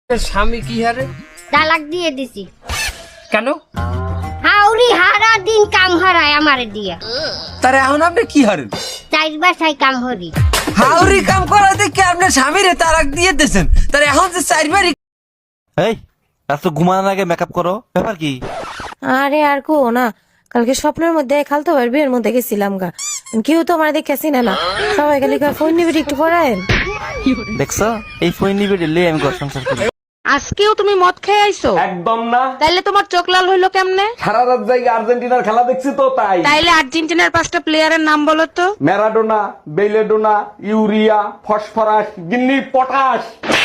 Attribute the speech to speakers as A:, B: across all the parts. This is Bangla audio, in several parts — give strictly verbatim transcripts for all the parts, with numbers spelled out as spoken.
A: স্বামী কি হারে?
B: তালাক দিয়ে দিছি।
A: কেন?
B: হাউরি হারা দিন কাম হারায় আমারে দিয়া।
A: তারে এখন আপনি কি হারেন?
B: চাইর বাসায় কাম হরি।
A: হাউরি কাম করা দেখে আপনি স্বামীরে তালাক দিয়ে দিয়েছেন, তারে এখন যে চারবারই।
C: এই রাত ঘুমানোর আগে মেকআপ করো, ব্যাপার কি?
D: আরে আর কো না, কালকে স্বপ্নের মধ্যে খালতো ভাই বিয়ের মধ্যে গেছিলাম গা, কেউ তো আমার দেখে চিনে না, সবাই খালি ফোন নিবি একটু পড়ায়।
C: দেখছো, এই ফোন নিবে দিলে আমি ঘর সংসার করি।
E: আজকেও তুমি মদ খেয়ে আইছো?
F: একদম না।
E: তাইলে তোমার চোখ লাল হইলো কেমনে?
F: সারা রাত জায়গা আর্জেন্টিনার খেলা দেখছি তো তাই।
E: তাইলে আর্জেন্টিনার পাঁচটা প্লেয়ারের নাম বলো তো।
F: ম্যারাডোনা, বেলেডোনা, ইউরিয়া, ফসফরাস, গিন্নি, পটাশ।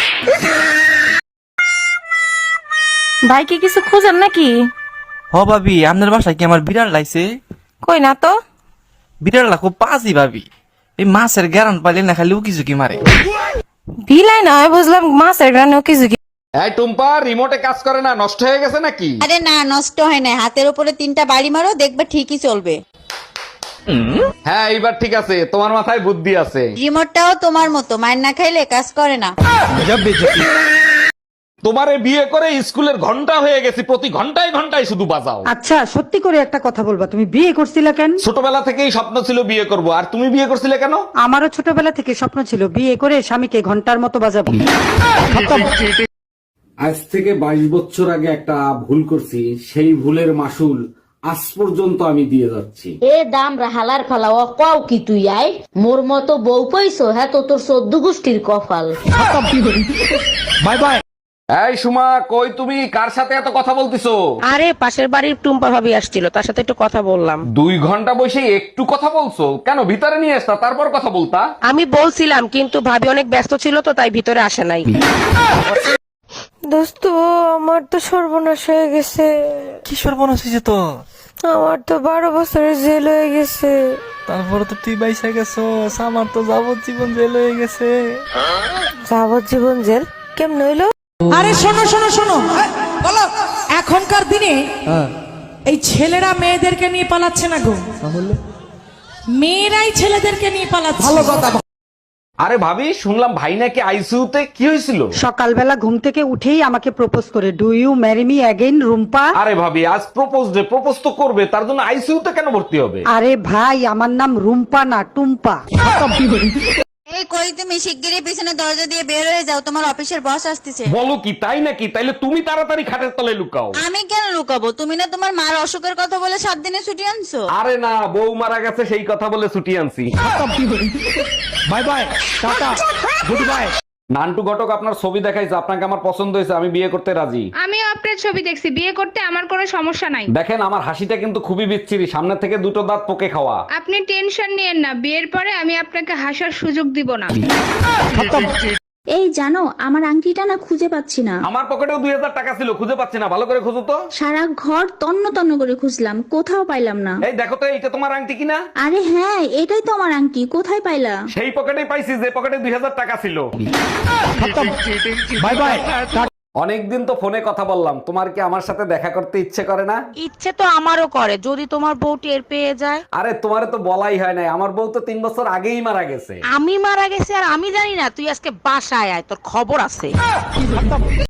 D: ভাই কি কিছু খোঁজেন নাকি?
C: হ ভাবি, আপনার বাসায় কি আমার বিড়াল লাইছে?
D: কই না তো।
C: বিড়াল খুব পাজি ভাবি, এই মাছের গ্যারান পাইলে না খালি উকি ঝুঁকি মারে।
D: বিলাই নয় বুঝলাম, মাছের গ্রানেও কিছু কি।
F: এই টুম্পা, রিমোটে কাজ করে না, নষ্ট হয়ে গেছে নাকি?
G: আরে না, নষ্ট হয় না। হাতের উপরে তিনটা বাড়ি মারো, দেখবে ঠিকই চলবে।
F: হ্যাঁ, এইবার ঠিক আছে, তোমার মাথায় বুদ্ধি আছে।
G: রিমোটটাও তোমার মতো, মায়ের না খাইলে কাজ করে না।
F: তোমারে বিয়ে করে স্কুলের ঘন্টা হয়ে গেছি, প্রতি ঘন্টায় ঘন্টায় শুধু বাজাও।
H: আচ্ছা, সত্যি করে একটা কথা বলবা, তুমি বিয়ে করছিলে কেন?
F: ছোটবেলা থেকেই স্বপ্ন ছিল বিয়ে করব, আর তুমি বিয়ে করছিলে কেন?
H: আমারও ছোটবেলা থেকে স্বপ্ন ছিল বিয়ে করে স্বামীকে ঘন্টার মতো বাজাবো।
I: আজ থেকে বাইশ বছর আগে একটা ভুল করছি, সেই ভুলের মাসুল আজ পর্যন্ত আমি দিয়ে যাচ্ছি।
J: এ দাম হালার ফালা ও কও কি তুই আই মোর মতো বউ পাইছো? হ্যাঁ তো তোর চোদ্দ গোষ্ঠীর কপাল।
F: Bye bye. এই সুমা, কই তুমি? কার সাথে এত কথা বলতিছো?
E: আরে পাশের বাড়ির টুম্পা ভাবি আসছিল, তার সাথে একটু কথা বললাম।
F: দুই ঘন্টা বসে একটু কথা বলছো কেন? ভিতরে নিয়ে আসতা, তারপর কথা বলতা।
E: আমি বলছিলাম, কিন্তু ভাবি অনেক ব্যস্ত ছিল তো তাই ভিতরে আসে নাই।
D: দোস্ত, আমার তো সর্বনাশ হয়ে গেছে।
C: কি সর্বনাশ হয়েছে তো?
D: আমার তো বারো বছরের জেল হয়ে গেছে।
C: তারপরে তো তুই বাইসা গেছো, আমার তো যাবজ্জীবন জেল হয়ে গেছে।
D: যাবজ্জীবন জেল কেমন হইলো?
H: আরে শোনো শোনো শোনো, বলো, এখনকার দিনে এই ছেলেরা মেয়েদেরকে নিয়ে পালাচ্ছে না গো, মেয়েরাই ছেলেদেরকে নিয়ে পালাচ্ছে। ভালো কথা।
F: আরে ভাবি, শুনলাম ভাই নাকি আইসিইউতে, কি হয়েছিল?
H: সকালবেলা ঘুম থেকে উঠেই আমাকে প্রপোজ করে, do you marry me again Rumpa.
F: আরে ভাবি, আজ প্রপোজ ডে, প্রপোজ তো করবে, তার জন্য আইসিইউতে কেন ভর্তি হবে?
H: আরে ভাই, আমার নাম রুম্পা না টুম্পা।
G: এই কই তুমি? শিগগিরই পিছনে দরজা দিয়ে বের হয়ে যাও, তোমার অফিসের বস আসতেছে।
F: বলো কি, তাই নাকি? তাইলে তুমি তাড়াতাড়ি খাটের তলায় লুকাও।
G: আমি কেন লুকাবো? তুমি না তোমার মার অসুখের কথা বলে সাত দিনে ছুটি আনছো।
F: আরে না, বউ মারা গেছে সেই কথা বলে ছুটি আনছি। Bye bye, tata, goodbye. Nantu ঘটক আপনার ছবি দেখাইছে, আপনাকে আমার পছন্দ হয়েছে, আমি বিয়ে করতে রাজি।
K: আমিও আপনার ছবি দেখছি, বিয়ে করতে আমার কোনো সমস্যা নাই।
F: দেখেন, আমার হাসিটা কিন্তু খুবই বিচ্ছিরি, সামনে থেকে দুটো দাঁত পোকে খাওয়া।
K: আপনি টেনশন নিয়েন না, বিয়ের পরে আমি আপনাকে হাসার সুযোগ দিব না।
J: এই জানো, আমার আংটিটা না খুঁজে পাচ্ছি না।
F: আমার পকেটেও দুই হাজার টাকা ছিল, খুঁজে পাচ্ছি না, ভালো করে খুঁজো তো।
J: সারা ঘর তন্ন তন্ন করে খুঁজলাম, কোথাও পাইলাম না।
F: এই দেখো তো, এইটা তোমার আংটি কিনা?
J: আরে হ্যাঁ, এটাই তো আমার আংটি, কোথায় পাইলা?
F: সেই পকেটেই পাইছি যে পকেটে দুই হাজার টাকা ছিল। Bye bye. অনেকদিন তো ফোনে কথা বললাম, তোমার কি আমার সাথে দেখা করতে ইচ্ছে করে না?
E: ইচ্ছে তো আমারও করে, যদি তোমার বউ টের পেয়ে যায়।
F: আরে তোমারে তো বলাই হয় নাই, আমার বউ তো তিন বছর আগেই মারা গেছে।
E: আমি মারা গেছি আর আমি জানি না? তুই আজকে বাসায় আয়, তোর খবর আছে।